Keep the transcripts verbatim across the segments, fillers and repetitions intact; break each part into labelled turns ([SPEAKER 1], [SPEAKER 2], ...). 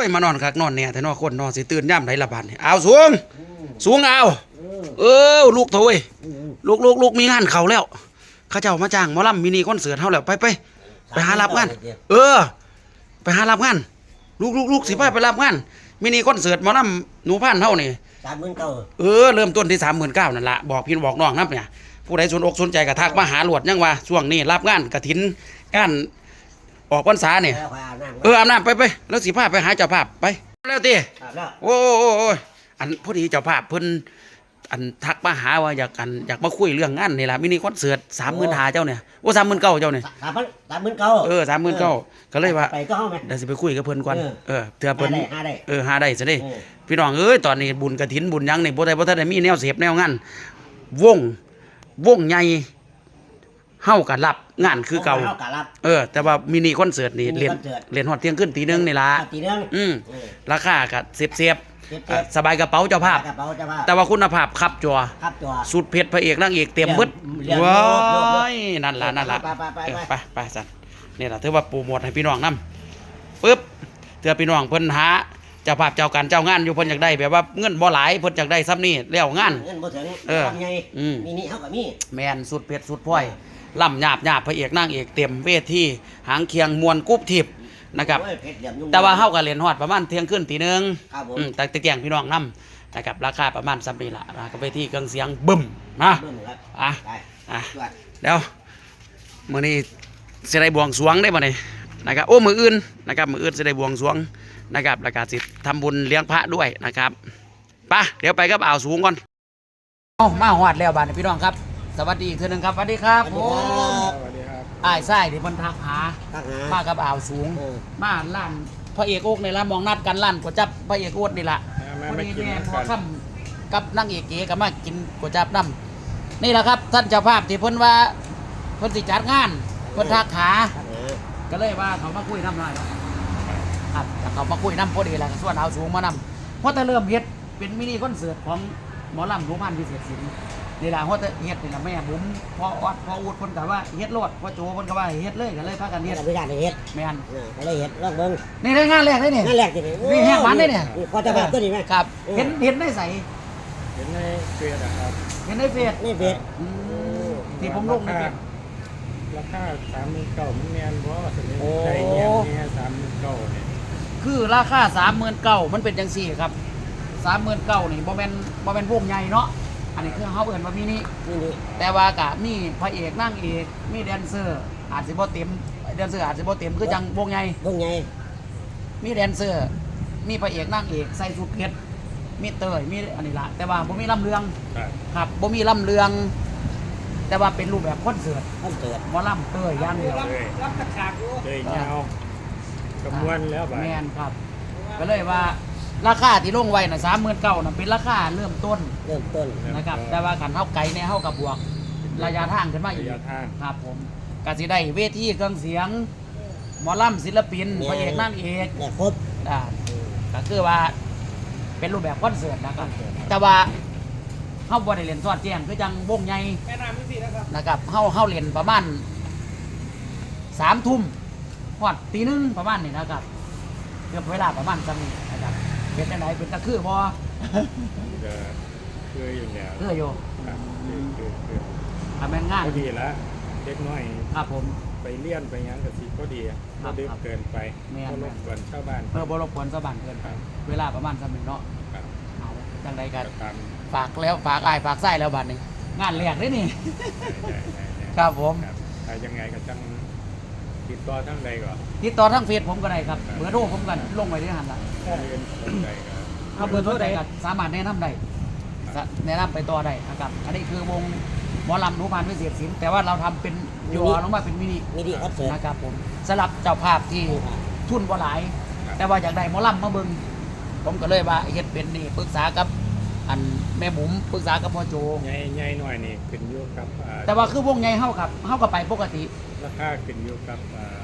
[SPEAKER 1] มานอนคักนอนเนี่ยแต่นอนคนนอนสิตื่นย่ำไหนละบาดนี่เอาสูงสูงเอาเออลูกโถยลูกลูกลูกมีงานเขาแล้วเขาเจ้ามาจ้างหมอลำมินิคอนเสิร์ตเฮาแล้วไปไปไปหารับงานเออไปหารับงานลูกลูกลูกสิไปไปรับงานมินิคอนเสิร์ตหมอลำหนูพันเฮานี่
[SPEAKER 2] สามหมื่นเก้า
[SPEAKER 1] เออเริ่มต้นที่สามหมื่นเก้านั่นละบอกพี่บอกน้องนับเนี่ยผู้ใดสนอกสนใจกระทักมาหาหลวดยังว่าช่วงนี้รับงานกระถินงานออกพรรษาเนี่ยเอออาบน้ำไปไปแล้วสิพาไปหาเจ้าภาพไปแล้วตีโอ้โอ้อันพอดีเจ้าภาพเพิ่นอันทักมาหาว่าอยากกันอยากมาคุยเรื่องงานนี่แหละมินิคอนเสิร์ตสามหมื่นหาเจ้าเนี่ยโอ้สามหมื่นเก้าเจ้าเนี่ย
[SPEAKER 2] สามพันสามหมื่นเก้า
[SPEAKER 1] เออสามหมื่นเก้าก็เลยว่า
[SPEAKER 2] ไปก็เข้าไหม
[SPEAKER 1] เดี๋ยวสิไปคุยกับเพิ่นก่อนเออเถื่อเพิ่น
[SPEAKER 2] หาได้
[SPEAKER 1] เออหาได้ซะดิพี่น้องเอ้ยตอนนี้บุญกฐินบุญยังนี่บ่ได้บ่ทันได้มีแนวเสพแนวงานวงวงใหญ่เฮาก็รับงานคือเก่าเออแต่ว่ามินิคอนเสิร์ตนี่เล่นเล่นฮอดเที่ยงคืนตีหนึ่งนี่ล่ะ
[SPEAKER 2] ตีหนึ่ง
[SPEAKER 1] อืมราคาก็เสียบๆสบายกระเป๋าเจ้าภาพแต่ว่าคุณภาพครับจอสุดเผ็ดพระเอกนางเอกเต็มหมดว้ายนั่นล่ะนั่นล่ะไปไปสั่นนี่ล่ะถือว่าโปรโมทให้พี่น้องนำปึ๊บเถื่อพี่น้องเพิ่นหาเจ้าภาพเจ้าการเจ้างานอยู่เพิ่นอยากได้แบบว่าเงินบ่หลายเพิ่นอยากได้ซ้ำนี่แล้วงาน
[SPEAKER 2] เงินบ่ถึง
[SPEAKER 1] เออ
[SPEAKER 2] มีนี่เฮาก็มี
[SPEAKER 1] แม่นสุดเผ็ดสุดพ้อยล่ำหยาบหยาบพระเอกนางเอกเต็มเวทีหางเคียงมวลกุ๊บทิพย์นะครับแต่ว่าเฮาก็เล่นฮอดประมาณเที่ยงคืนตีหนึ่งอืมแต่ตะแกงพี่น้องนำนะครับราคาประมาณซ้ำนี่ล่ะนะกับเวทีเครื่องเสียงบึ้มนะอ่ะอ่ะเดี๋ยวมื้อนี้สิได้บวงสรวงได้บ่นี่นะครับโอ้มื้ออื่นนะครับมื้ออื่นสิได้บวงสรวงนะครับแล้วก็สิทำบุญเลี้ยงพระด้วยนะครับไปเดี๋ยวไปกับอ่าวสูงก่อนเอ้ามาฮอดแล้วบาดนี้พี่น้องครับสวัสดีอีกทีนึงครับสวัสดีครับผมสวัสดีครับอ้ายไส้ที่มันทักหามากับอ่าวสูงมาล้านพระเอกโอ๊กในละมองนัดกันล้านก๋วยจับพระเอกโอ๊กนี่แหละพอดีแม่พอค่ำกับนางเอกเก๋ก็มากินก๋วยจับน้ำนี่แหละครับท่านเจ้าภาพที่เพิ่นว่าเพิ่นสิจัดงานเพิ่นทักหาก็เลยว่าเขามาคุยน้ำหน่อยครับเขามาคุยน้ำพอดีแหละส่วนอ่าวสูงมานำเพราะแต่เริ่มเฮ็ดเป็นมินิคอนเสิร์ตของหมอลำหนูพันพิเศษศิลป์นี่ล่ะเพราะแต่เฮ็ดนี่ล่ะแม่บุ๋มพอออดพออุดเพิ่นก็ว่าเฮ็ดโลดพอโจเพิ่นก็ว่าเฮ็ดเลยก็เลยพากันเฮ็ด
[SPEAKER 2] ไม่ได้เฮ็ด
[SPEAKER 1] แม่น
[SPEAKER 2] ก็เลยเฮ็ดลองเบิ่ง
[SPEAKER 1] นี่ได้งานแรกเลยนี่
[SPEAKER 2] งานแรกนี่
[SPEAKER 1] นี่แฮกมันได้เนี่ย
[SPEAKER 2] พอจะแบบตัวนี้มั้ย
[SPEAKER 1] ครับเห็นเห็นได้ใส่
[SPEAKER 3] เห็นในเฟซอ่ะครับ
[SPEAKER 1] เห็นในเฟซ
[SPEAKER 2] ในเฟซ
[SPEAKER 1] อืมที่ผมลงในเฟซ
[SPEAKER 3] ราคาสามหมื่นเก้ามันแม่นบ่สิได้เงี้ยเนี่ยสามหมื่นเก้านี่
[SPEAKER 1] คือราคาสามหมื่นเก้ามันเป็นจังซี่ครับสามหมื่นเก้านี่บ่แม่นบ่แม่นวงใหญ่เนาะอันนี้คือเฮาเอิ้นว่ามินิแต่ว่าก็มีพระเอกนางเอกมีแดนเซอร์อาจสิบ่เต็มแดนเซอร์อาจสิบ่เต็มคือจังวงใหญ่
[SPEAKER 2] วงใหญ่
[SPEAKER 1] มีแดนเซอร์มีพระเอกนางเอกใส่ชุดเพชรมีเตยมีอันนี้ล่ะแต่ว่าบ่มีลำเรืองครับบ่มีลำเรืองแต่ว่าเป็นรูปแบบคอนเสิร์ต
[SPEAKER 2] คอนเสิร์ต
[SPEAKER 1] หมอลำเตยอย่างเดียว
[SPEAKER 3] รับกระฉากอยู่เตยยาวกระมวลแล้วบาด
[SPEAKER 1] แม่นครับก็เลยว่าราคาที่ลงไว้น่ะสามหมื่นเก้าน่ะเป็นราคาเริ่มต้น
[SPEAKER 2] เริ่มต้น
[SPEAKER 1] นะครับแต่ว่าขันเท่าไกลเนี่ยเท่ากับบวกระยะทางขึ้นมาอีกครับผมก็สิได้เวทีเครื่องเสียงหมอลำศิลปินพระเอกนางเอก
[SPEAKER 2] เนี่ยครบ
[SPEAKER 1] อ่าก็คือว่าเป็นรูปแบบคอนเสิร์ตนะครับแต่ว่าเฮาบ่ได้เล่นซอดแจ้งคือจังวงใหญ่นะครับเฮาเฮาเล่นประมาณสามทุ่มฮอดตีหนึ่งประมาณนี้นะครับเกือบเวลาประมาณจังนะครับเป็นจังไดเป็นตะคือบ่
[SPEAKER 3] ก็คืออยู่แล้ว
[SPEAKER 1] คืออยู่
[SPEAKER 3] ครับคือคือคือ
[SPEAKER 1] ทำงาน
[SPEAKER 3] พอดีละเล็กน้อย
[SPEAKER 1] ครับผม
[SPEAKER 3] ไปเลี้ยนไปยังก็สิพอดีบ่ดึกเกินไปบ่รบกวนชาวบ้าน
[SPEAKER 1] เออบ่รบกวนชาวบ้านเกินไปเวลาประมาณจังนึงเนาะ
[SPEAKER 3] ครับ
[SPEAKER 1] เอาจังไดกันฝากแล้วฝากอ้ายฝากไส้แล้วบัดนี้งานแรกเด้นี่ครับผม
[SPEAKER 3] ถ้ายังไงก็จังติดต่อทางใดก่อน
[SPEAKER 1] ติดต่อทางเฟซผมก็ได้ครับเบอร์โทรผมกันลงไว้ที่หันละเอาเบอร์โทรใดก็สามารถแนะนำได้แนะนำไปต่อได้นะครับอันนี้คือวงหมอลำหนูพันพิเศษศิลป์แต่ว่าเราทำเป็นย่อลงมาเป็นมินิ
[SPEAKER 2] มินิคอนเสิร์ต
[SPEAKER 1] นะครับผมสำหรับเจ้าภาพที่ทุนบ่หลายแต่ว่าอยากได้หมอลำมาเบิ่งผมก็เลยว่าเฮ็ดเป็นนี่ปรึกษากับอันแม่บุ๋มปรึกษากับพ่อโจ
[SPEAKER 3] ใหญ่ใหญ่หน่อยนี่ขึ้นอยู่กับ
[SPEAKER 1] แต่ว่าคือวงใหญ่เฮากับเฮาก็ไปปกติ
[SPEAKER 3] ราคาขึ้นอยู่กับ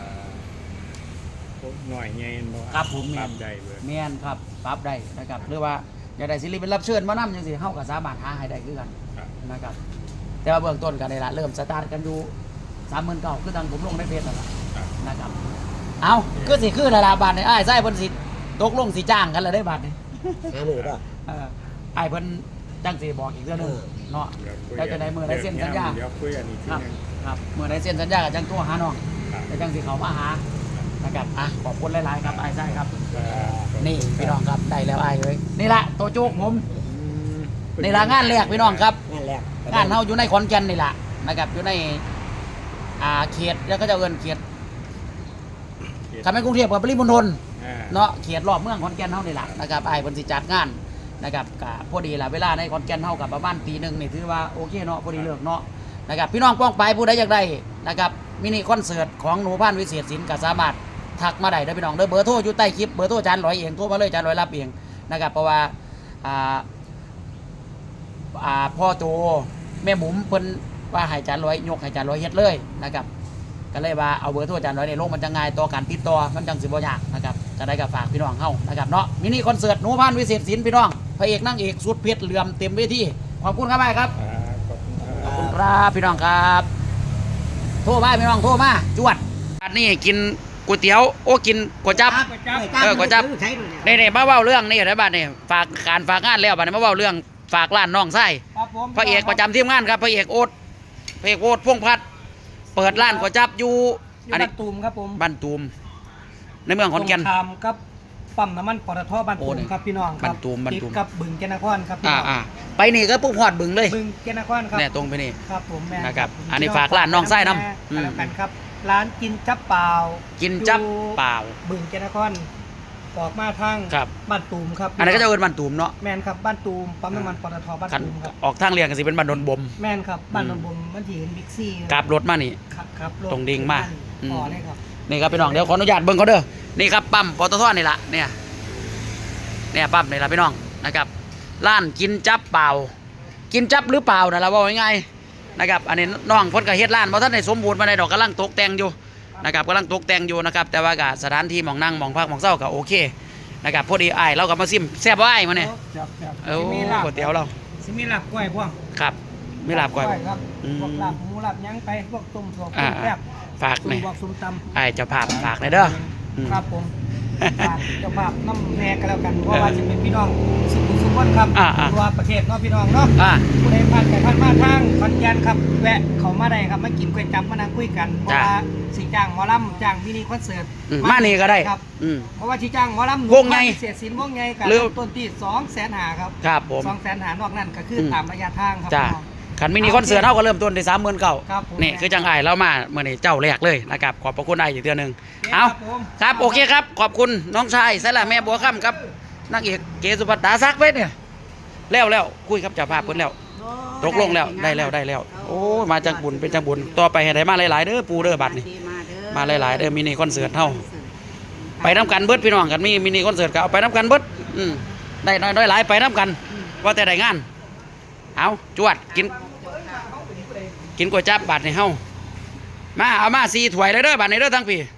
[SPEAKER 3] หน่อยใหญ่บ่
[SPEAKER 1] ครับผม
[SPEAKER 3] ปรับได้เบิด
[SPEAKER 1] แม่นครับปรับได้นะครับหรือว่าอยากได้ศิลปินรับเชิญมานำจังซี่เฮาก็สามารถหาให้ได้คือกันนะครับแต่ว่าเบื้องต้นก็ได้ละเริ่มสตาร์ทกันอยู่ สามหมื่นเก้าพัน คือทางผมลงในเฟซนั่นล่ะนะครับเอาคือสิคือละลาบาทนี่อ้ายไส้เพิ่นสิตกลงสิจ้างกันแล้วได้บัดนี่
[SPEAKER 2] หามือด้วย
[SPEAKER 1] เออไอ้ายเพิ่นจังสิบอกอีกเรื่องหนึงเนาะแล้วจะได้มือได้เซ็นสัญญา
[SPEAKER 3] เดี๋ยวคุยอันนี้ที
[SPEAKER 1] ครับ
[SPEAKER 3] นึง
[SPEAKER 1] ครับมือได้เซ็นสัญญากับจังตัวหาน้อง
[SPEAKER 3] ครับ
[SPEAKER 1] แล้วจังสิเขามาหานะครับอ่ะขอบคุณหลายๆครับไอ้ายใช่ครับ
[SPEAKER 3] ครับ
[SPEAKER 1] นี่พี่น้องครับได้แล้วไอ้ายเลยนี่ละตัวโจ๊กผม
[SPEAKER 3] อืม
[SPEAKER 1] นี่ละงานแรกพี่น้องครับ
[SPEAKER 2] งานแรก
[SPEAKER 1] งานเฮาอยู่ในขอนแก่นนี่ละนะครับอยู่ในอ่าเขตแล้วก็จะเอิ้นเขตคันเป็นกรุงเทพกับปริมณฑล
[SPEAKER 3] อ่า
[SPEAKER 1] เนาะเขตรอบเมืองขอนแก่นเฮานี่ล่ะนะครับไอ้ายเพิ่นสิจัดงานนะครับก็พอดีล่ะเวลาในขอนแก่นเฮากับประมาณตีหนึงนี่ถือว่าโอเคเนาะพอดีเลิกเนาะนะครับพี่น้องป้องไปผู้ใดอยากได้นะครับมินิคอนเสิร์ตของหนูพันธุ์วิเศษศิลป์ก็สามารถทักมาได้เด้อพี่น้องเด้อเบอร์โทรอยู่ใต้คลิปเบอร์โทรอาจารย์ร้อยเองโทรมาเลยอาจารย์ร้อยรับเองนะครับเพราะว่าอ่าอ่าพ่อโตแม่หมุมเพิ่นว่าให้อาจารย์ร้อยยกให้อาจารย์ร้อยเฮ็ดเลยนะครับก็เลยว่าเอาเบอร์โทรอาจารย์ร้อยในลงมันจะง่ายต่อการติดต่อมันจังสิบ่ยากนะครับจะได้กับฝากพี่น้องเฮานะครับเนาะมินิคอนเสิร์ตหนูพันธุ์วิเศษศิลป์พี่น้องพระเอกนางเอกสุดเพชรเหลื่อมเต็มเวทีขอบคุณครับไอ้ครับ
[SPEAKER 3] อ่าขอบคุณค
[SPEAKER 1] ขอบ
[SPEAKER 3] รับ
[SPEAKER 1] คุณครับพี่น้องครับโทรมาพี่น้องโทรมาจวดอันนี้กินก๋วยเตี๋ยวโอ้กินก๋วยจั๊บ เออก๋วยจั๊บ
[SPEAKER 2] ใช้ด้วยเนี่ย
[SPEAKER 1] นี่ๆมาเว้าเรื่องนี่นะบัดนี้ฝากการฝากงานแล้วบัดนี้มาเว้าเรื่องฝากร้านน้องไส้
[SPEAKER 3] ครับผม
[SPEAKER 1] พระเอกประจำทีมงานครับพระเอกโอ๊ตพระเอกโอ๊ตพงษ์พัฒน์เปิดร้านก๋วยจั๊บอยู่
[SPEAKER 4] อยู่
[SPEAKER 1] อัน
[SPEAKER 4] บ้า
[SPEAKER 1] นี้
[SPEAKER 4] นตูมครับผม
[SPEAKER 1] บ้านตูมในเมืองขอนแก่น
[SPEAKER 4] ตรงข้ามกับปั๊มน้ำมันปตทบ้าน
[SPEAKER 1] โอ้
[SPEAKER 4] ตูม
[SPEAKER 1] นี่
[SPEAKER 4] ครับพี่น้องครับ
[SPEAKER 1] บ้านตูมบ้านตูม
[SPEAKER 4] ติดกับบึงแกนนครครับพี่
[SPEAKER 1] อ่า
[SPEAKER 4] น้อง
[SPEAKER 1] อ่าไปนี่ก็ปุ๊บหอดบึงเลย
[SPEAKER 4] บึงแกนนครครับ
[SPEAKER 1] เนี่ยตรงไปนี่
[SPEAKER 4] ครับผมแม่
[SPEAKER 1] นะครับ
[SPEAKER 4] ผม
[SPEAKER 1] อันนี้ฝากร้านน้องไส้นำ
[SPEAKER 4] แม่
[SPEAKER 1] อืม
[SPEAKER 4] แล้วกันครับ ร้านกินจับเปล่า
[SPEAKER 1] กินจั๊บ
[SPEAKER 4] อยู่
[SPEAKER 1] เปล่า
[SPEAKER 4] บึงแกนนครออกมาทาง
[SPEAKER 1] ครับ
[SPEAKER 4] บ้านตูมครับ
[SPEAKER 1] อันนี้นก็จะเอิ้นบ้านตูมเนาะ
[SPEAKER 4] แม่นครับบ้านตูมปั๊มน้ำมันปตทบ้าน
[SPEAKER 1] คัน
[SPEAKER 4] ตูมครับ
[SPEAKER 1] ออกทางเรียงกันสิเป็นบ้านดอนบม
[SPEAKER 4] แม่นครับบ้าน
[SPEAKER 1] อื
[SPEAKER 4] น
[SPEAKER 1] ม
[SPEAKER 4] นบมมันที่เห็นบิ๊กซี่
[SPEAKER 1] กราบรถมานี่
[SPEAKER 4] ครับครับถ
[SPEAKER 1] ตรงดิ่งมาอืม
[SPEAKER 4] ต่อเลยครับ
[SPEAKER 1] นี่ครับพี่น้องเดี๋ยวขออนุญาตเบิ่งเขาเด้อนี่ครับปั๊มปตทนี่ละเนี่ยเนี่ยปั๊มนี่ละพี่น้องนะครับร้านกินจับเปล่า กินจับหรือเปล่านะเราว่าง่ายๆนะครับอันนี้น้องเพ้นก็เฮ็ดร้านเพราะท่านได้สมบูรณ์มาในดอกกำลังตกแต่งอยู่นะครับกำลังตกแต่งอยู่นะครับแต่ว่าก็สถานที่หมองนั่งหมองพักหมองเศร้าก็โอเคนะครับพอดีอ้ายเราก็มาซิมแซ่บบ่อ้ายมาเนี่ย
[SPEAKER 4] ครับครับ
[SPEAKER 1] โอ้
[SPEAKER 4] สิมีลาบ
[SPEAKER 1] ก๋วยเตี๋ยวเรา
[SPEAKER 4] สิมีลาบกล้วยพวก
[SPEAKER 1] ครับไม่ลาบก่อย
[SPEAKER 4] ครับ
[SPEAKER 1] อืม
[SPEAKER 4] พวกลาบหมูลาบหยังไปพวกต้มสวก
[SPEAKER 1] อ่า
[SPEAKER 4] ต้มแซ่บ
[SPEAKER 1] ฝาก
[SPEAKER 4] ต้
[SPEAKER 1] หน่อย
[SPEAKER 4] มบวกส้มตำ
[SPEAKER 1] อ้ายเจะภาพฝากหน่อยเด้ออืม
[SPEAKER 4] ครับผมฝากเจ้าภาพน้ำแน่กันแล้วกันเพราะว่าจะเป็นพี่น้องสุขุมสุขคนครับ
[SPEAKER 1] อ่าอ่า
[SPEAKER 4] ตัวประเทศเนาะพี่น้องเนาะ
[SPEAKER 1] อ่า
[SPEAKER 4] ผู้ใดผ่านไปผ่านมาทางขอนแก่นครับแวะเขามาได้ครับมากินก๋วยจั๊บมานั่งคุยกันเพราะ
[SPEAKER 1] จ้า
[SPEAKER 4] ว่าสิจ้างหมอลำจ้างมินิคอนเสิร์ต
[SPEAKER 1] อืมมานี่ก็ได้
[SPEAKER 4] ครับ
[SPEAKER 1] อืม
[SPEAKER 4] เพราะว่าที่จ้างหมอลำหนู
[SPEAKER 1] วงไง
[SPEAKER 4] เสียสินวงไงกัน
[SPEAKER 1] หรือ
[SPEAKER 4] ต้นที่สองแสนหาครับ
[SPEAKER 1] ครับผม
[SPEAKER 4] สองแสนหานอกนั้นก็คืออ
[SPEAKER 1] ม
[SPEAKER 4] ตามระยะทางครับ
[SPEAKER 1] จ้า
[SPEAKER 4] พี่น้อง
[SPEAKER 1] ขันมินิคอนเสิร์ตเท่าก็เริ่มต้นที่สามหมื่นเก้า
[SPEAKER 4] ครับผม
[SPEAKER 1] นี่คือจังไอ้เรามาเมื่อนี้เจ้าแรกเลยนะครับขอบพระคุณไอ้อีกเดือนหนึ่ง
[SPEAKER 4] โอเค
[SPEAKER 1] เอา
[SPEAKER 4] ครับผม
[SPEAKER 1] ครับโอเคครับ ขอบคุณน้องชายสละแม่บัวค่ำครับนางเอกเกสุภัตตาซักเวทเนี่ยแล้วแล้วคุยครับเจ้าภาพเพิ่นแล้วตกลงแล้วได้แล้วได้แล้ว โอ้ยมาจังบุญเป็นจังบุญต่อไปให้ได้มาหลายๆเด้อปูเด้อบัดนี่มาหลายๆเด้อมินิคอนเสิร์ตเท่าไปน้ำกันเบิดพี่น้องกันมีมินิคอนเสิร์ตก็เอาไปน้ำกันเบิดอืมได้น้อยน้อยหลายไปน้ำกันว่าแต่ได้งานเอาจวดกิน กินก๋วยจั๊บบาทในเฮามาเอามาสี่ถ้วยเลยเด้อบาทในเด้อทั้งปี